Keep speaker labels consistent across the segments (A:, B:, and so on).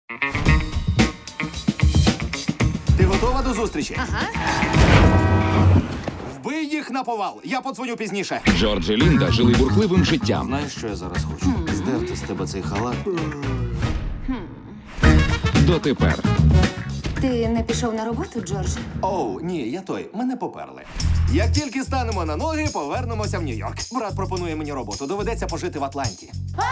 A: Ти готова до зустрічі?
B: Ага.
A: Вбий їх на повал. Я подзвоню пізніше.
C: Джордж і Лінда жили бурхливим життям.
A: Знаєш, що я зараз хочу? Здерти з тебе цей халат.
C: Дотепер.
B: Ти не пішов на роботу, Джордж?
A: Оу, ні, я той. Мене поперли. Як тільки станемо на ноги, повернемося в Нью-Йорк. Брат пропонує мені роботу. Доведеться пожити в Атланті.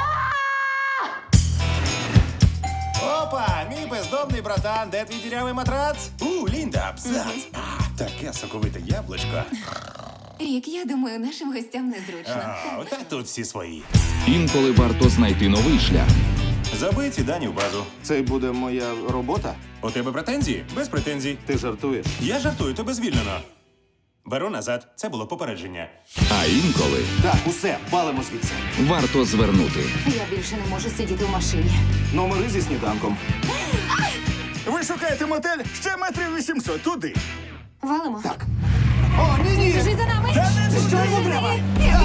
D: Опа, мій бездомний братан, де твій дірявий матрац? Лінда, абзац. Таке соковите яблучко.
B: Рік, я думаю, нашим гостям незручно.
D: Та тут всі свої.
C: Інколи варто знайти новий шлях.
D: Забий ці дані в базу.
A: Це буде моя робота?
D: У тебе претензії? Без претензій.
A: Ти жартуєш?
D: Я жартую, тебе звільнено. Беру назад. Це було попередження.
C: А інколи
A: Так, усе, палимо звідси.
C: варто звернути.
B: Я більше не можу сидіти в машині.
A: Номери зі сніданком.
E: Ви шукаєте мотель? Ще метрів 800 туди.
B: Валимо?
A: Так. О, ні-ні!
B: Біжи за нами!
A: Що йому треба?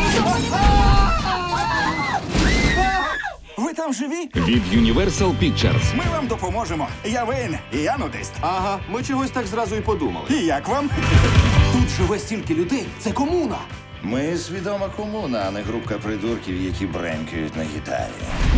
E: Ви там живі?
C: Від Universal Pictures.
E: Ми вам допоможемо. Я Вейн, і я нудист.
A: Ага, ми чогось так зразу і подумали.
E: І як вам?
A: Тут живе стільки людей. Це комуна.
F: Ми свідома комуна, а не групка придурків, які бренькають на гітарі.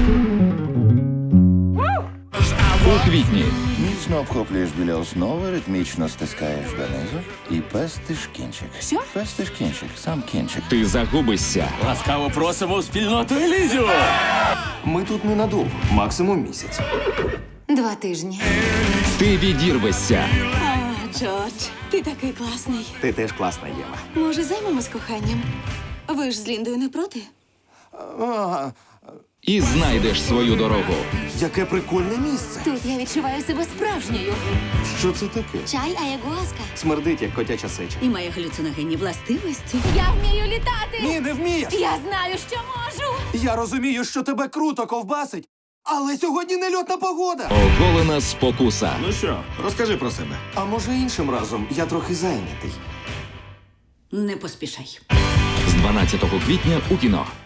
C: У квітні
F: Міцно обхоплюєш біля основи, ритмічно стискаєш донизу і пестиш кінчик.
B: Що?
F: Пестиш кінчик, сам кінчик.
C: ти загубишся.
G: Ласкаво просимо в спільноту Елізіо!
A: Ми тут ненадовго, максимум місяць.
B: 2 тижні.
C: Ти відірвешся.
H: Джордж, ти такий класний.
A: Ти теж класна, Єва.
H: Може, займемось коханням? Ви ж з Ліндою не проти?
A: Ага,
C: І знайдеш свою дорогу.
A: яке прикольне місце.
B: Тут я відчуваю себе справжньою.
A: Що це таке?
H: Чай аягуаска.
A: Смердить, як котяча сеча.
H: І має галюциногенні властивості.
B: Я вмію літати!
A: Ні, не вмієш!
B: Я знаю, що можу!
A: Я розумію, що тебе круто ковбасить, але сьогодні нельотна погода.
C: Оголена спокуса.
E: Ну що, розкажи про себе.
A: А може іншим разом я трохи зайнятий.
H: Не поспішай.
C: З 12 квітня у кіно.